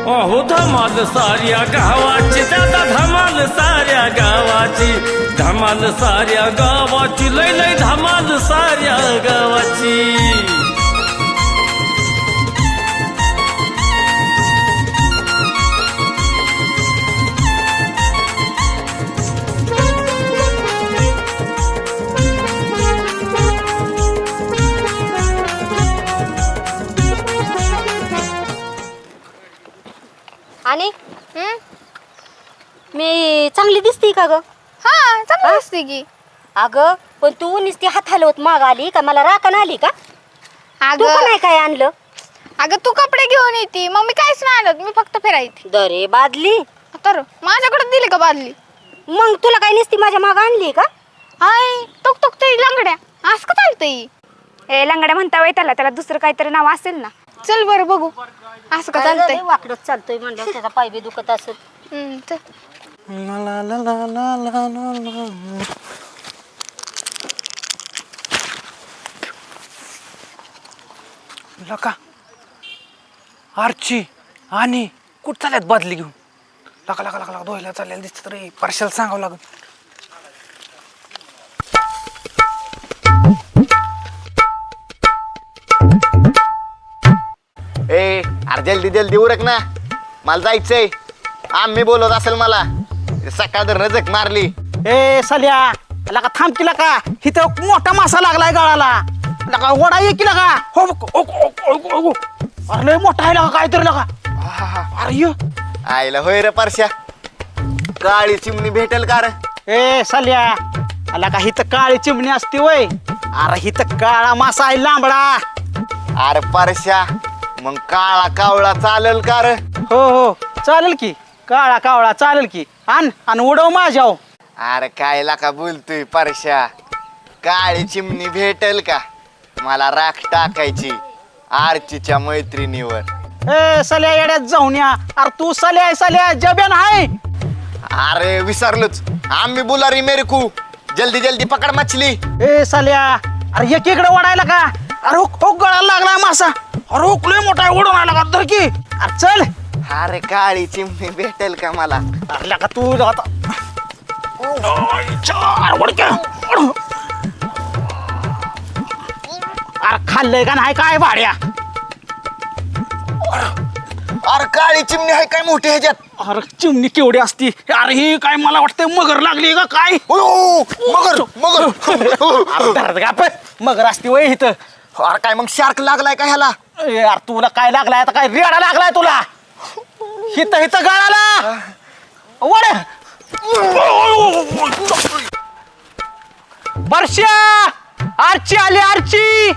अहो धमाल साऱ्या गावाची दादा धमाल साऱ्या गावाची धमाल साऱ्या गावाची लय लय धमाल साऱ्या गावाची आणि मी चांगली दिसते का ग? हा चांगली दिसते की. अगं पण तू नुसती हात हलवत माग आली का? मला राखण आली का? तू का नाही काय आणलं? अगं तू कपडे घेऊन येते मग मी काहीच नाही आणत, मी फक्त फिरायची. दरे बादली तर माझ्याकडे दिली का बादली? मग तुला काय नुसती माझ्या माग आणली का? हाय टुक टुक ते लंगड्या असं का चालतंय? ए लंगड्या म्हणता वय त्याला दुसरं काहीतरी नाव असेल ना. चल बरं बघू असं का चालतंय. वाकडच चालतोय म्हणलं त्याचा पाय बी दुखत असेल. चल. लका आरची आणि कुठं चालल्यात बादली घेऊन? लका लका लका धुवायला चाललेलं दिसत रे. परशाला सांगावं लागेल. ए अरे जल्दी जल्दी उरक ना, मला जायचंय. आम्ही बोलत असेल मला सकाळ धरण जग मारली. ए साल्या लका थांब की लका, इथं मोठा मासा लागलाय गाळाला. लका वडा ये की लका. हो अरे लय मोठा आहे लका काहीतरी लका. अरे ये. आईला होय रे परश्या, काळी चिमणी भेटेल का रे? ए साल्या लका हिथं काळी चिमणी असते वय. अरे हिथं काळा मासा आहे लांबडा. अरे परश्या मग काळा कावळा चालेल का रे? हो चालेल की, काळा कावळा चालेल की. आण आणि उडव माझ्याव. अरे काय लाका बोलतोय परश्या, काळी चिमणी भेटेल का? मला राख टाकायची आरचीच्या मैत्रिणीवर. ए साल्या येड्यात जाऊन या. अरे तू साल्या साल्या जब्यान आहे. अरे विसरलोच, आम्ही बुलारी मेरे को. जल्दी जल्दी पकड मछली. ए साल्या अरे एक इकडे ओढायला का? अरे हो गळाला लागलाय मासा. अरे लय मोठा आहे, ओढून आला का धर की. अरे चल. अरे काळी चिमणी भेटेल का मला? अरे का तू आता अरे खाल्लंय का नाही काय भाड्या? अरे काळी चिमणी आहे काय मोठी ह्याच्यात? अरे चिमणी केवढी असती? अरे ही काय मला वाटतंय मगर लागली का काय? मगर मगर. अरे धरत का पण मगर असती वय इथं. अरे काय मग शार्क लागलाय का ह्याला? यार तुला काय लागलाय आता? काय रेडा लागलाय तुला? हिथं हिथं गळाला वड. वर्षा आरची आली आरची.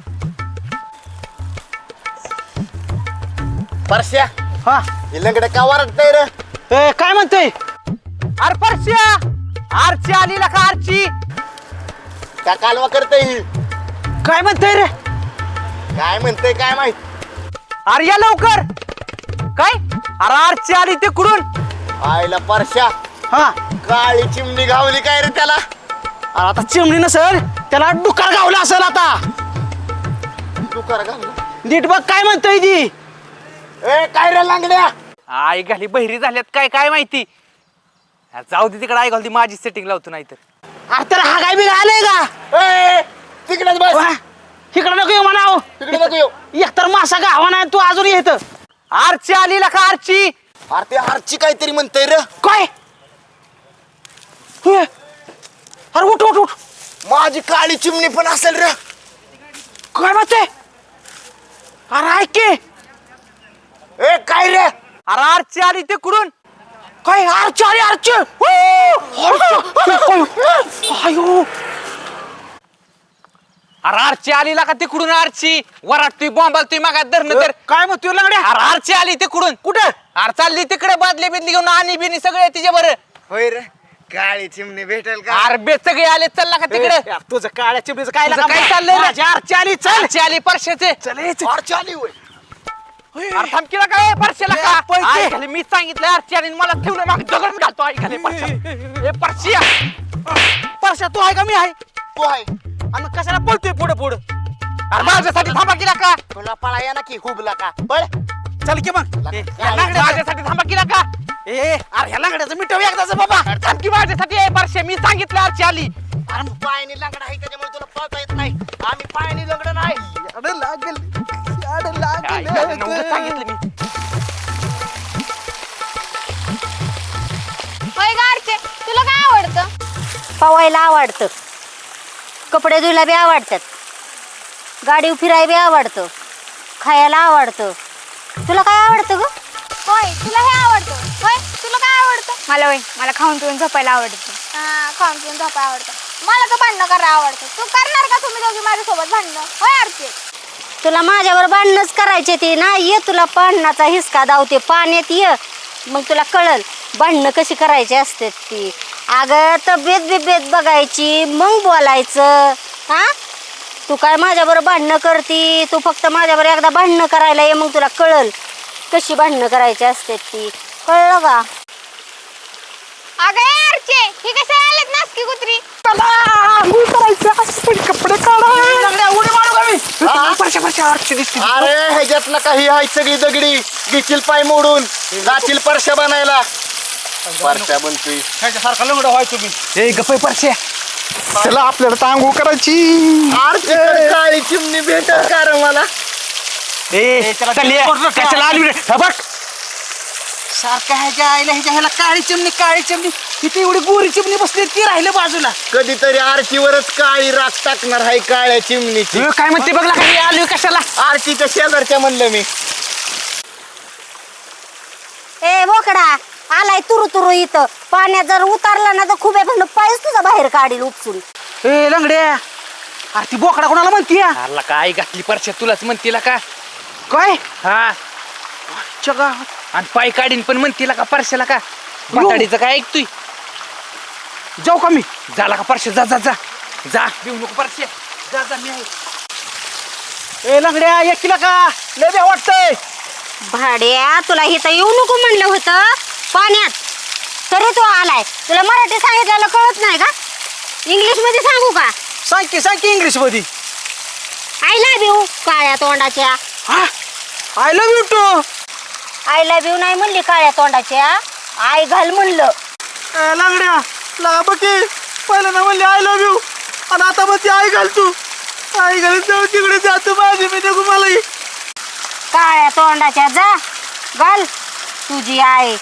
परश्या हा हे लंगडे का वरडतंय रे? ए काय म्हणतोय? अरे परश्या आरची आली का आरची? का कालवा करतय ही? काय म्हणतोय रे? काय म्हणतंय काय माहित. अरे या लवकर. काय? अरे आरची आली तिकडून. आईला परश्या हा काळी चिमणी घावली काय रे त्याला? अरे आता चिमणी नसेल, त्याला डुकार गावला असेल. आता डुकार घावलं. नीट बघ काय म्हणतोय ती. ए काय रे लांगड्या? आई घाली बहिरी झाल्यात काय काय माहिती. जाऊ दे तिकडे. आई घालती माझी सेटिंग लावतो नाही तर. अरे त्याला हा काय बी आलंय का? ए तिकडेच बस. इकडे नको येऊ म्हणाव. तिकडे नको येऊ. एकतर मासा गावा नाही तू अजून येत. आरची आली का आरची? अरे ते आरची काहीतरी म्हणतंय रे. काय? होय. अरे उठ उठ उठ. माझी काळी चिमणी पण असेल रे. काय म्हणते? अरे ऐक की. ए काय रे? अरे आरची आली तिकडून. काय आरची आली आरची? अयो अरे आरची आली का तिकडून? आरची वराटतोय बॉम्बालतोय मागात धरणं तर. काय म्हणतोय लंगड्या? अरे आरची आली तिकडून. कुठं? अरे चालली तिकडे बादली बिदली घेऊन. आणि बिनी सगळे तिच्या बरं. होय रे काळी चिमणी भेटेल का? अरे बे सगळे आले. चालला का तिकडे? तुझं काळ्या चिमणीचं काय काय चाललंय? आरची आली. चल आरची आली परशाचे. चल आरची आली होय. अरे थांब केला काय परशाला का? ऐकले मी सांगितलं आरची आणि मला ठेवलं मागे दगड घालतो. ऐकले परशा. ए परशिया परशा तू आहे का मी आहे? तू आहे. आणि कशाला पळतोय पुढे पुढे? अरे माझ्यासाठी थांबा केला का? तुला पळाया ना की हुबला का? पळ. चल की मग या माझ्यासाठी थांबा की का अरे ह्या लंगड्याचं मिठव एकदाच बाबा थांब की माझ्यासाठी परश्या मी सांगितलं आरची आली अरे पायाने लंगडा आहे त्याच्यामुळे तुला पळता येत नाही आम्ही पायाने लंगड नाही अरे लागेल सांगितलं मी होय गारचे तुला काय आवडतं? पवायला आवडतं, कपडे धुयला बी आवडतात, गाडी फिरायला बी आवडतं, खायला आवडतं. तुला काय आवडतं ग? होय तुला हे आवडतं? होय तुला काय आवडतं? मला खाऊन पिऊन झोपायला आवडतं. खाऊन पिऊन झोपायला आवडतं. मला तर भांडणं करायला आवडतं. तू करणार का तुम्ही दोघी माझ्यासोबत भांडणं? होय आरचे तुला माझ्यावर भांडणच करायचे ते ना. ये तुला भांडणाचा हिसका दावते, पाण्यात ये मग तुला कळल भांडणं कशी करायची असते ती. अगं तब्येत बिब्येत बघायची मग बोलायचं. हा तू काय माझ्याबरोबर भांडणं करती? तू फक्त माझ्याबरोबर एकदा भांडणं करायला ये, मग तुला कळल कशी भांडणं करायची असते ती. कळलं का? अगं ए आरचे ही कशी आलेत नासकी कुत्री? कपडे काढा उडी मारू का मी परश्या आरची दिसते अरे ह्याच्यातलं काही आहे सगळी दगडी घेतील पाय मोडून जातील परश्या बनायला परश्या बनतोय ह्याच्यासारखा लंगडा व्हाय तुम्ही हे गप्पे परश्या चला आपल्याला तांगू करायची काळी चिमणी भेटल का रे मला कशाला आली रे बघ सारखं ह्याच्या आईला ह्याला काळी चिमणी तिथे एवढी गोरी चिमणी बसली ती राहिलं बाजूला कधीतरी आरतीवरच काळी राख टाकणार आहे काळ्या चिमणीची काय म्हणते बघ काही आली कशाला आरतीच्या शेजारच्या म्हणलं मी ए बोकडा आलाय तुरु तुरु इथं. पाण्यात जर उतरला ना तर खूप आहे पायच तुझा बाहेर काढील उपसून. ए लंगड्या अरे ती बोकडा कोणाला म्हणती अरला काय घातली परश्या तुलाच म्हणतीला का काय हा चगा आणि पाय काढीन पण म्हणतीला का परश्याला का म्हाताडीचं काय ऐकतोय जाऊ का मी झाला का परश्या जा जा जा जा घेऊ नको परश्या जा जा मी आहे ए लंगड्या एकीला का लय बे वाटतंय भाड्या तुला इथं येऊ नको म्हणलं होतं पाण्यात, तरी तू आलाय. तुला मराठी सांगितलेलं कळत नाही का? इंग्लिश मध्ये सांगू का? सांग की इंग्लिश मध्ये आय लव्ह यू काळ्या तोंडाच्या. I love you too I love you नाही म्हणली काळ्या तोंडाच्या, आय घाल म्हणलं. लंगड्या ला बघी पहिलं ना म्हणले आय लव्ह यू आणि आता मग ती आई घाल तू आई घाल जाऊ तिकडे जातो माझी मी नको मला काळ्या तोंडाच्या जा घाल तुझी आई.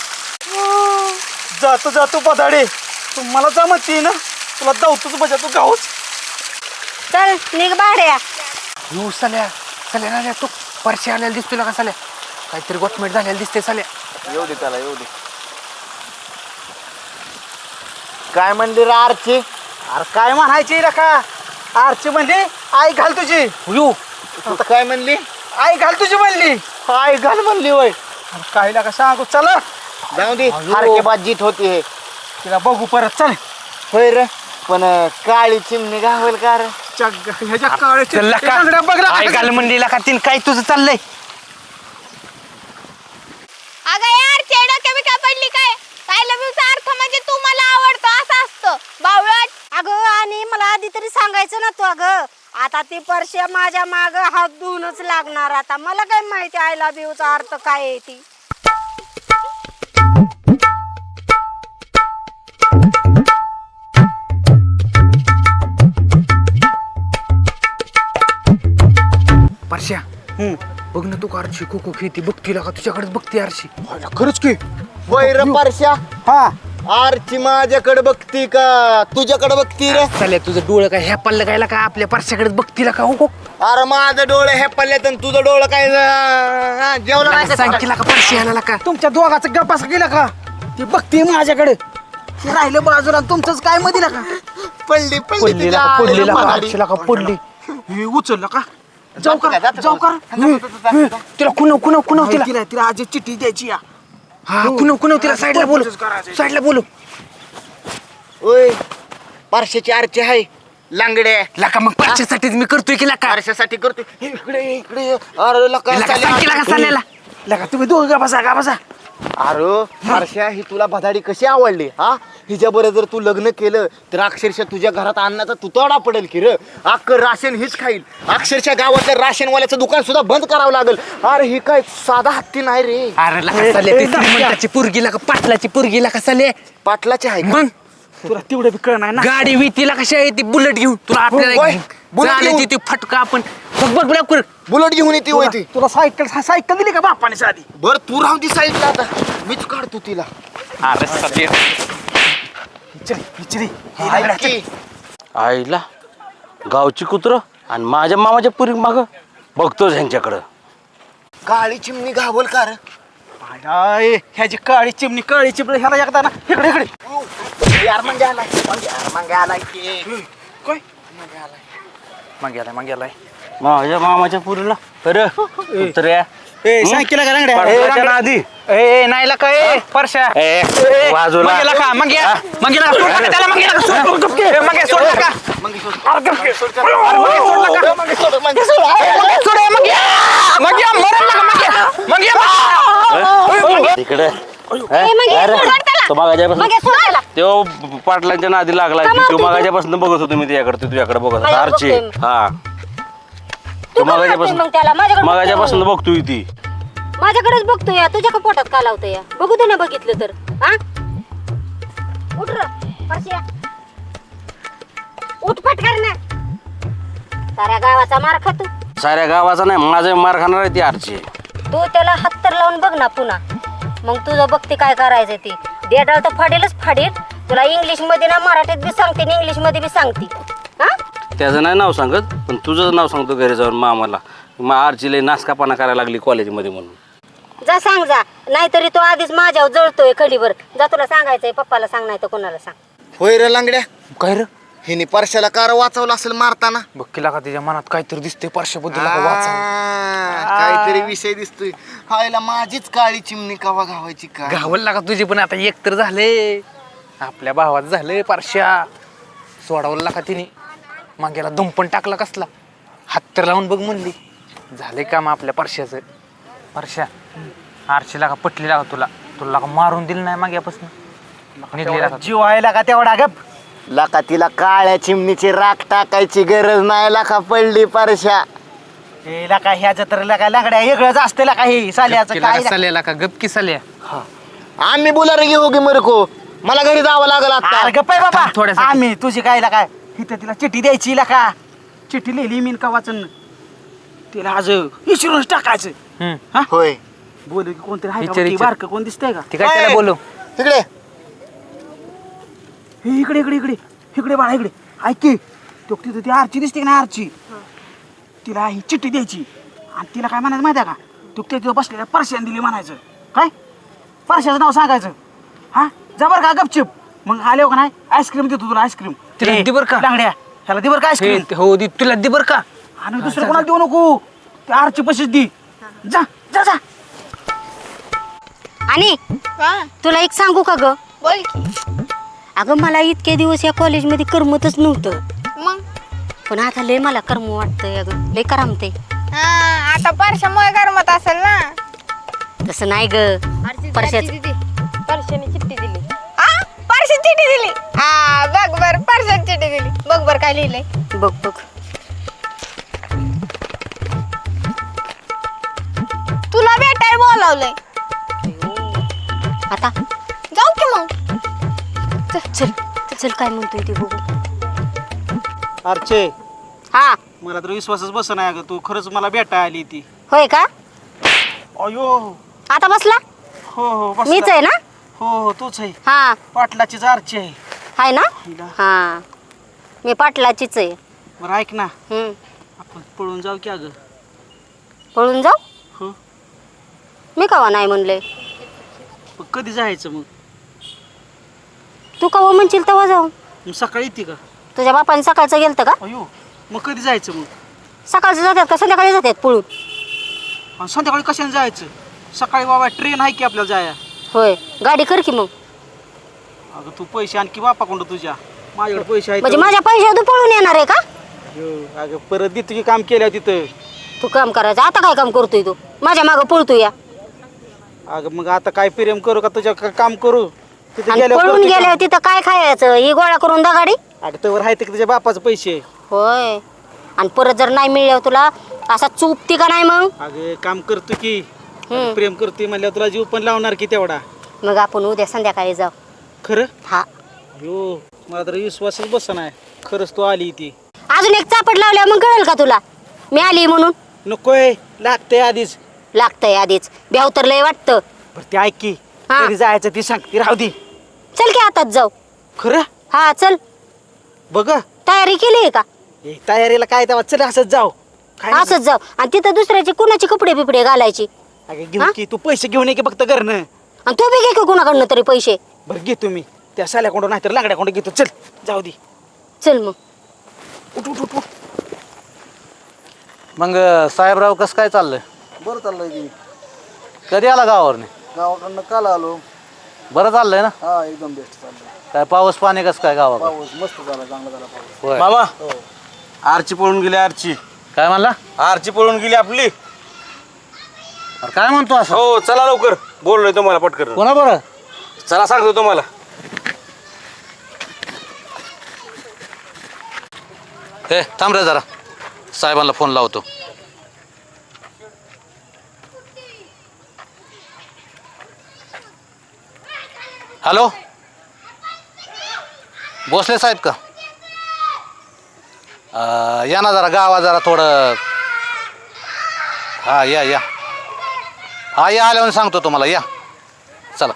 जातो पदाडे तू मला जमती ना तुला धावतोच बजा तू गाऊच चल निघ भाड्या. येऊ साल्या साल्या नाल्या तू परश्या आलेला दिसतोय का साल्या काहीतरी गोठमेट झालेला दिसते साल्या येऊ दे त्याला येऊ दे काय म्हणली रे आरची अरे काय म्हणायची रे का आरची म्हणली आई घाल तुझी येऊ आता काय म्हणली आई घाल तुझी म्हणली काय घाल म्हणली वय काय का सांगू चला जाऊ दे सारखे बाजीत होती हे तिला बघू परत चल होय रे पण काळी चिमणी गावेल का रे ह्याच्या काळ्या चल का लंगड्या बघ आई घाल म्हणलीला का तीन काय तुझं चाललंय अगं ए आरचे डोक्या बिक्या पडली काय? आय लव्ह यूचा अर्थ म्हणजे तू मला आवडतो असं असतं बावळट. अगं आणि मला आधी तरी सांगायचं ना तू. अगं आता ती परश्या माझ्या माग हात धुवूनच लागणार. आता मला काय माहिती आय लव्ह यूचा अर्थ काय आहे ती. परश्या बघ ना तू का आरशी खो खो खेळती बघतीला का तुझ्याकडेच बघते आरशी खरंच की होय रे परश्या हा आरची माझ्याकडे बघती का तुझ्याकडे बघती रे साल्या तुझं डोळं काय ह्या पल्लं गायला का आपल्या परश्याकडेच बघतीला का हो अरे माझं डोळे हे पडल्यात आणि तुझं डोळं काय जेवलं नाही का सांगितला का परश्या आला का तुमच्या दोघाचं गप्पास गेला का ती बघते माझ्याकडे ती राहिलं बाजूला आणि तुमचंच काय मध्ये का पडली पडलीला का पडलीला का आरशीला का पडली हे उचललं का जाऊ का तिला कुणव तिला तिला आज चिठ्ठी द्यायची या हा कुणव तिला साईडला बोलू ओय परश्याची आरची आहे लांगडे लाका मग परश्यासाठीच मी करतोय की लाका परश्यासाठी करतोय इकडे अरे लका सांगितला का साल्याला लगा तुम्ही दोघं का बसा अरे परश्या ही तुला भदाडी कशी आवडली हा? हिच्या बरोबर जर तू लग्न केलं तर अक्षरशः तुझ्या घरात अन्नाचा तुतडा पडेल की र. अख्खं राशन हीच खाईल. अक्षरशः गावातल्या राशनवाल्याचं दुकान सुद्धा बंद करावं लागेल. अरे ही काय साधा हत्ती नाही रे. अरे लका साले ती श्रीमंताची पोरगीला का पाटलाची पोरगीला का साले पाटलाचे आहे का? मग तुला तेवढं बी कळ नाही ना. गाडी वितीला कशा आहे ती बुलेट घेऊन तुला आपल्याला होय, बुलेट चालायची घेऊन. ती फटका आपण बघ बघ बघ कर बुलेट घेऊन येते होय ती. तुला सायकल दिली का बापाने साधी? बर तू राहू ती साईडला आता मीच काढतो तिला. अरे साले ऐक की, आईला गावची कुत्र आणि माझ्या मामाच्या पुरी माग बघतोच ह्यांच्याकडं. काळी चिमणी घावल का रे? आय, ह्याची काळी चिमणी ह्याला एकदा ना इकडे यार मग आलाय मग आलाय की. काय मग गेलाय माझ्या मामाच्या पुरीला अरे कुत्र्या सायकल का रंगड्या? पडवायच्या ना आधी ए नाही लका ए परश्या ए, बाजूला. मग गेला का मग या सोड नका त्याला मग गेला का सोड ए, मग या, सोड नका मग सोड मग या मरण नका मग या तिकडे मग ये, सोड त्याला. तो मागाच्यापासून मग हे सोड त्याला. तो पाटलांच्या नादी लागला का तो मारतो मागाच्यापासून बघत होतो मी तुझ्याकडे तुझ्याकडे बघत होता माझ्याकडे आरची बघतोय. हा तू का मारतोय मग त्याला? माझ्याकडे मागाच्यापासून बघतोय ती माझ्याकडेच बघतो या. तुझ्या का पोटात का लावतो या? बघू दे ना बघितलं तर. हा उठ र परश्या. उठ पटकर ना. साऱ्या गावाचा मार खातो. साऱ्या गावाचा नाही माझा मार खाणार आहे ती आरची. तू त्याला हत्तर लावून बघ ना पुन्हा. मग तुझं बघते काय करायचं ती. देडाळ तर फाडेलच फाडेल. तुला इंग्लिश मध्ये ना मराठीत बी सांगते आणि इंग्लिश मध्ये बी सांगते. हा त्याचं नाही नाव सांगत पण तुझंच नाव सांगतो घरी जाऊन मामाला. मग आरची लई नासकापणा करायला लागली कॉलेजमध्ये म्हणून. जा सांग जा. नाहीतरी तो आधीच माझ्यावर जळतोय खडीवर. जा तुला सांगायचंय पप्पाला सांग नाही तर कोणाला सांग. होय रे लांगड्या. काय रे हिने परश्याला कार वाचवलं असेल मारताना. बघ केला का त्याच्या मनात काहीतरी दिसते परश्याबद्दल वाचा काहीतरी विषय दिसतोय. हायला माझीच काळी चिमणी कवा घावायची का? घावल लागा तुझी पण आता एक तर झाले आपल्या भावात झाले परश्या सोडावलं लागा तिने मागेला दुंपण टाकला कसला हात तर लावून बघ म्हणली झाले काम आपल्या परश्याचं. परश्या आरशीला का पटली लागा तुला का मारून दिलं नाही माग्यापासून निघली लागा जीव व्हायला का तेवढा गप? लाका तिला काळ्या चिमणीची राख टाकायची गरज नाही. लाका पडली परश्या. हे लका ह्याचं तर लका लंगड्या वेगळंच असतं लका हे साल्याचं काय साल्याला का गपकी साल्या आम्ही बोलायला घेऊ की मरको. मला घरी जावं लागल आता. अरे गप्प आहे बाबा. थांब थोड्यासाठी. आम्ही तुझी काय लका इथं तिला चिठ्ठी द्यायची लका. चिठ्ठी लिहिली मीन का वाचन तिला आज विचारूनच टाकायचं. हा होय बोलू की कोणतरी आहे का? विचार, ती विचार. बारकं कोण दिसतंय का? ती काय त्याला बोलू तिकडे हे इकडे इकडे इकडे इकडे बाळा इकडे ऐक की. तो तिथं ती आरची दिसते ना आरची. तिला ही चिठ्ठी द्यायची आणि तिला काय म्हणायचं माहिती आहे का? तू तिथं बसलेल्या परश्याने दिली म्हणायचं. काय परश्याचं नाव सांगायचं. हा जबर का गपचिप. मग आले का नाही आईस्क्रीम देतो तुला आईस्क्रीम. तिला दे बरं का? लांगड्या ह्याला दे बरं का आईस्क्रीम. हो दी तुला दे बर का आणि दुसरं कोणाला देऊ नको. त्या आरची पशीच दी. जा जा जा. आणि हा तुला एक सांगू का ग? बोल की. अगं मला इतके दिवस या कॉलेजमध्ये करमतच नव्हतं. मग पण आता लय मला करम वाटतंय. अगं लय करमते. हा आता परश्यामुळे गरमत असेल ना. तसं नाही ग. परश्याच परश्याने चिठ्ठी दिली. हा परश्या चिठ्ठी दिली. हा बघ बर परश्याने चिठ्ठी दिली. बघ बर काय लिहिलंय. बघ बघ. तुला भेटाय बोलावलंय. आता जाऊ की मग. चल चल काय म्हणतोय ते बघू. आरचे हा मला तर विश्वासच बस नाही अगं. तू खरंच मला भेटाय आली ती. होय का? अयो आता बसला? हो हो बस. मीच आहे ना? हो हो तूच आहे. हा पाटलाचीच आरची आहे. आहे ना? हिला. हा मी पाटलाचीच आहे. बरं ऐक ना हम्म. आपण पळून जाऊ की अगं. पळून जाऊ? हो मी कवा नाही म्हणले. पण कधी जायचं मग? तू कवा म्हणशील तेव्हा जाऊ. मग सकाळी येते का? तुझ्या बापाने सकाळचं गेलतं का? अयो मग कधी जायचं मग? सकाळचं जातात का संध्याकाळी जातात पळून? आणि संध्याकाळी कशाने जायचं? सकाळी बाबा ट्रेन आहे की आपल्याला जाया. होय गाडी कर की मग. अगं तू पैसे आणखी बापाकडं तुझ्या. माझ्याकडे पैसे आहेत. म्हणजे माझ्या पैशावर तू पळून येणार आहे का? अगं परत दे तुझी काम केल्या तिथं. तू काम करायचं. आता काय काम करतोय तू? माझ्या मागं पळतोय या. अगं मग आता काय प्रेम करू का तुझ्या काम करू तिथे आणि गेल्यावर पळून करते गेल्यावर तिथं काय खायचं ही गोळा करून दगाडी काम. अगं तवर आहे ते तुझ्या बापाचे पैसे. होय आणि परत जर नाही मिळल्यावर तुला असा चुपती का नाही मग अगं काम करतो की अगं प्रेम करतोय म्हणल्यावर तुला जीव पण लावणार की तेवढा. मग आपण उद्या संध्याकाळी जाऊ खरं हा हो मला तर विश्वासच बस नाही खरंच तू आली ती. अजून एक चापट लावल्यावर मग कळेल का तुला मी आली म्हणून नकोय लागतंय आधीच. लागतंय आधीच ब्याव तर लय वाटतं बरं ते ऐक की हा. कधी जायचं ती सांग ती राहू दे. चल की आताच जाऊ खरं हा चल बघ तयारी केली आहे का हे तयारीला काय तेव्हा चल असंच जाऊ काय नाही. असंच जाऊ आणि तिथं दुसऱ्याचे कुणाचे कपडे बिपडे घालायचे अगं हा? घेऊ की तू पैसे घेऊन ये की फक्त घरनं. आणि तू बी घे की कुणाकडनं तरी पैसे बरं घेतो मी त्या साल्याकोंड नाही तर लाकड्याकोंड घेतो चल जाऊ दे. चल मग उठ उठ उठ उठ. मग साहेबराव कसं काय चाललंय? बरं चाललंय की कधी आला गावावरने? गावाकडनं काल आलो. बरं चाललंय ना? हा एकदम बेस्ट चाललंय. काय पाऊस पाणी कसं काय गावाकडे? पाऊस मस्त झाला, चांगला झाला पाऊस. होय. मामा आरची पळून गेली आरची काय म्हणला? आरची पळून गेली आपली. अरे काय म्हणतो असं? हो चला लवकर बोललोय तुम्हाला पटकन. कोणा बरं? चला सांगतो तुम्हाला. हे थांब रे जरा, साहेबांना फोन लावतो. हॅलो, भोसले साहेब का? या ना जरा गावात जरा थोडं. हा या या हा या आल्यावर सांगतो तुम्हाला. या चला.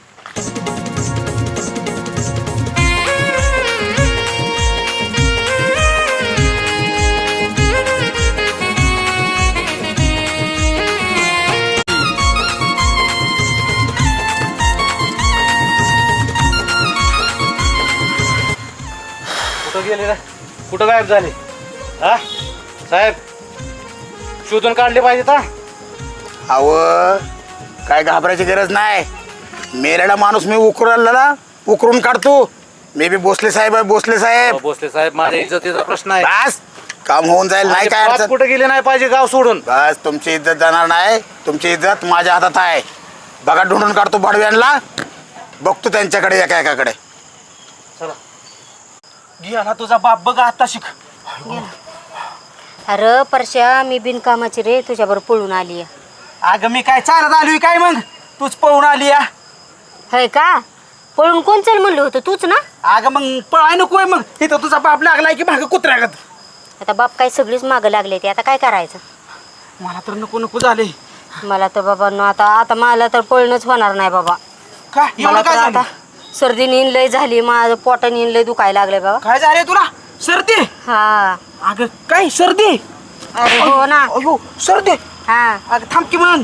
कुठं गेले रे? कुठं गायब झाले? हा साहेब शोधून काढले पाहिजे का? अव काय घाबरायची गरज नाही. मेलेला माणूस मी उकरून काढतो. मी बी भोसले साहेब आहे. भोसले साहेब भोसले साहेब, माझ्या इज्जतीचा प्रश्न आहे. बस काम होऊन जाईल. नाही काय अडचण. कुठे गेले नाही पाहिजे गाव सोडून. बस तुमची इज्जत जाणार नाही. तुमची इज्जत माझ्या हातात आहे. बघा ढूंढून काढतो बडव्यांना. बघतो त्यांच्याकडे एका एकाकडे. गेला तुझा बाप बघा आता शिक. अरे परश्या मी बिनकामाची रे तुझ्याबरोबर पळून आली आहे. अगं मी काय चालत आलोय काय मग तूच पळून आली या. होय का? पळून कोण चल म्हणलं होतं तूच ना? अगं मग पळाय नकोय मग. इथं तुझा बाप लागलाय की भाग कुत्र्यागत. आता बाप काय सगळीच मागं लागले ते आता काय करायचं? मला तर नको नको झाले. मला तर बाबा आता आता मला तर पळणंच होणार नाही बाबा. काय मला एवढं तर काय आता झालं? सर्दी नीन लय झाली माझं पोटा नीन लय दुखायला लागले बाबा. काय झाले तुला? सर्दी? हा अगं काय सर्दी? अरे हो ना. अयो सर्दी. हा अगं थांब की म्हणून.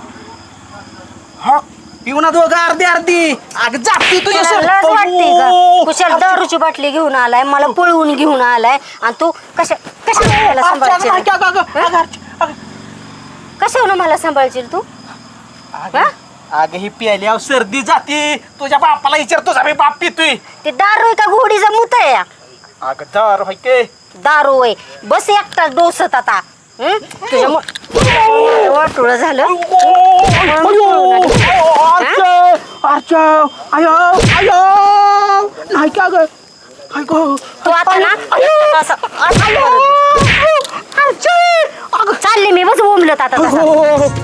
हा पिऊ ना दोघं अर्धी अर्धी. अगं जाती तुझ्या तुला लाज वाटते का? कुशाल दारूची बाटली घेऊन आलाय मला पळवून घेऊन आलाय आणि तू कशाला मला सांभाळशील? कशावर मला सांभाळशील तू? हा? अगं ही प्यायल्यावर सर्दी जाते. तुझ्या बापाला विचार तुझा बी बाप पितोय. ते दारू आहे का घोडीचा मुत आहे? अगं दारू हाय के. दारू आहे. बस एकटा डोसत आता. तुझ्या वाटोळं झालं. नाही का ग? तू आता ना चालले मी बस बोंबलत आता तसं.